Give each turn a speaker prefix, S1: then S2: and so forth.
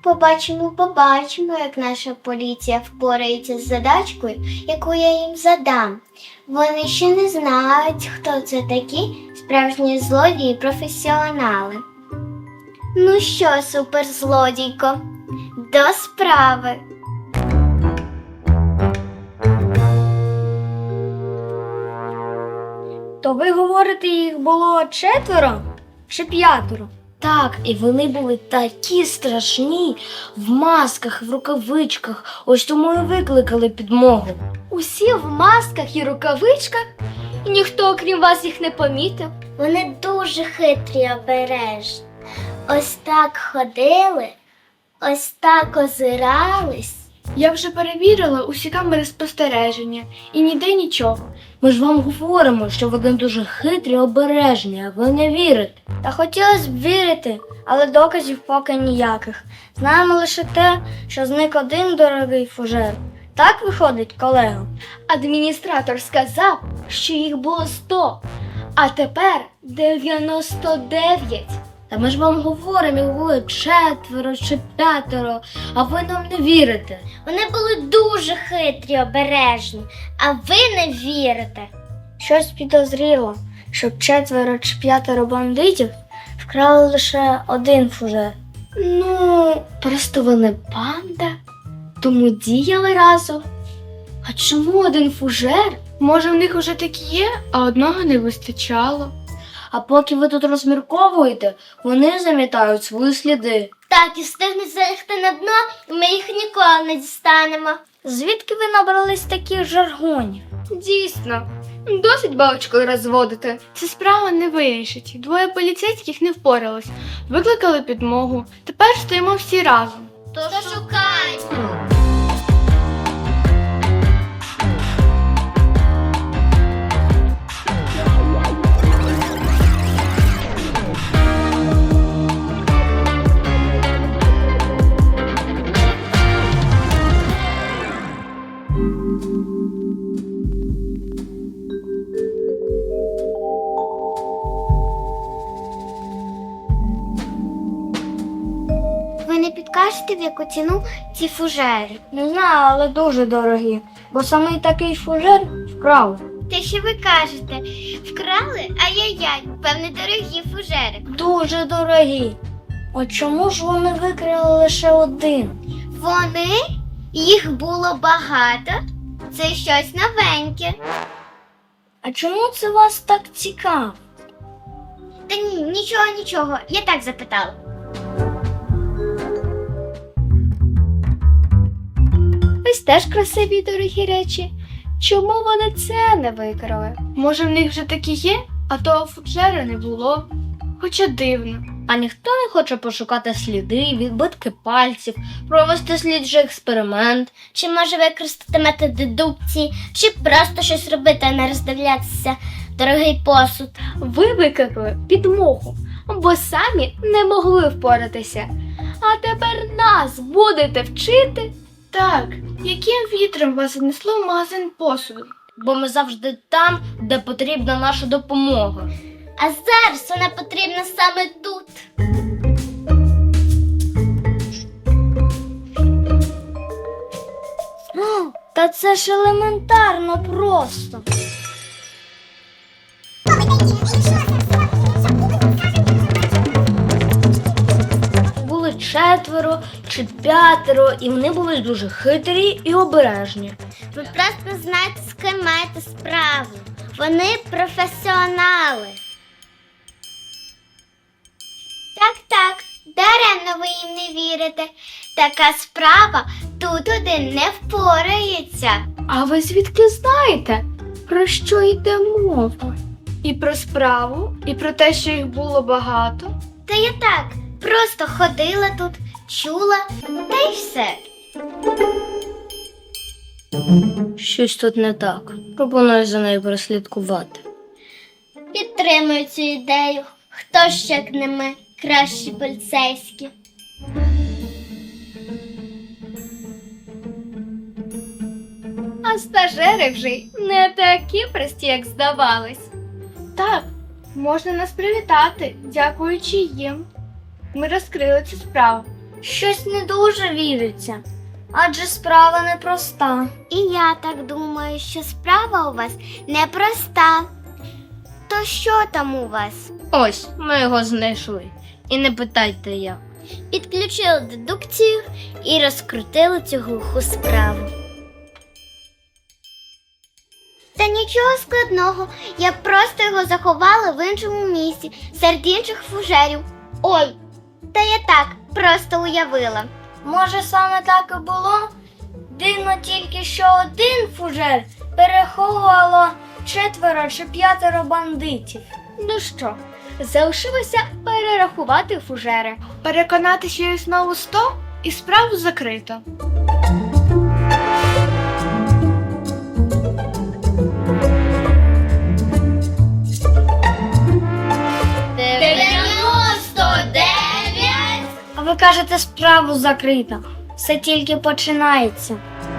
S1: Побачимо, як наша поліція впорається з задачкою, яку я їм задам. Вони ще не знають, хто це такі справжні злодії-професіонали. Ну що, суперзлодійко, до справи.
S2: То ви говорите, їх було 4 чи 5? Так, і вони були такі страшні, в масках, в рукавичках, ось тому і викликали підмогу.
S3: Усі в масках і рукавичках? І ніхто, окрім вас, їх не помітив?
S1: Вони дуже хитрі й обережні. Ось так ходили, ось так озирались.
S4: Я вже перевірила усі камери спостереження і ніде нічого.
S2: Ми ж вам говоримо, що вони дуже хитрі й обережні, а ви не вірите. Та хотілося б вірити, але доказів поки ніяких. Знаємо лише те, що зник один дорогий фужер. Так виходить, колего?
S3: Адміністратор сказав, що їх було 100, а тепер 99.
S2: Та ми ж вам говоримо, їх було 4 чи 5, а ви нам не вірите.
S1: Вони були дуже хитрі й обережні, а ви не вірите.
S2: Щось підозріло, щоб 4 чи 5 бандитів вкрали лише один фужер.
S3: Ну, просто вони банда, тому діяли разом. А чому один фужер?
S4: Може, в них уже такі є, а одного не вистачало.
S2: А поки ви тут розмірковуєте, вони замітають свої сліди.
S1: Так, і встигнуть залягти на дно, і ми їх ніколи не дістанемо.
S2: Звідки ви набрались таких жаргонів?
S3: Дійсно, досить балачкою розводити.
S4: Ця справа не вирішить. 2 поліцейських не впоралось. Викликали підмогу. Тепер стоїмо всі разом.
S1: То шукаймо. Ви не підкажете, в яку ціну ці фужери?
S2: Не знаю, але дуже дорогі, бо саме такий фужер вкрали.
S1: Те, що ви кажете, вкрали? Ай-яй-яй, певне, дорогі фужери.
S2: Дуже дорогі. От чому ж вони викрали лише один?
S1: Вони? Їх було багато? Це щось новеньке.
S2: А чому це вас так цікаво?
S1: Та ні, нічого, я так запитала.
S3: Ось теж красиві й дорогі речі. Чому вони це не викрали?
S4: Може, в них вже такі є, а того фуджера не було. Хоча дивно.
S2: А ніхто не хоче пошукати сліди, відбитки пальців, провести слідчий експеримент.
S1: Чи може використати метод дедукції, чи просто щось робити, а не роздивлятися дорогий посуд.
S3: Ви викликали підмогу, бо самі не могли впоратися. А тепер нас будете вчити?
S4: Так, яким вітром вас занесло в магазин посуду?
S2: Бо ми завжди там, де потрібна наша допомога.
S1: А зараз вона потрібна саме тут.
S2: Та це ж елементарно просто. Були 4 чи 5, і вони були дуже хитрі і обережні.
S1: Ви просто знаєте, з ким маєте справу. Вони професіонали. Так, даремно ви їм не вірите. Така справа тут один не впорається.
S3: А ви звідки знаєте, про що йде мова?
S4: І про справу, і про те, що їх було багато.
S1: Та я так, просто ходила тут, чула, та й все.
S2: Щось тут не так. Пропоную за нею прослідкувати.
S1: Підтримую цю ідею. Хто ж, як не ми, кращі поліцейські.
S3: А стажери вже й не такі прості, як здавались.
S4: Так, можна нас привітати, дякуючи їм. Ми розкрили цю справу.
S2: Щось не дуже віриться, адже справа непроста.
S1: І я так думаю, що справа у вас непроста. То що там у вас?
S2: Ось, ми його знайшли. І не питайте як.
S1: Підключили дедукцію і розкрутили цю глуху справу. Та нічого складного, я просто його заховала в іншому місці, серед інших фужерів. Ой, та я так, просто уявила.
S2: Може, саме так і було? Дивно тільки, що один фужер переховувало 4 чи 5 бандитів.
S3: Ну що, залишилося перерахувати фужери.
S4: Переконати, що їх знову 100 і справу закрито.
S2: А ви кажете, справу закрита. Все тільки починається.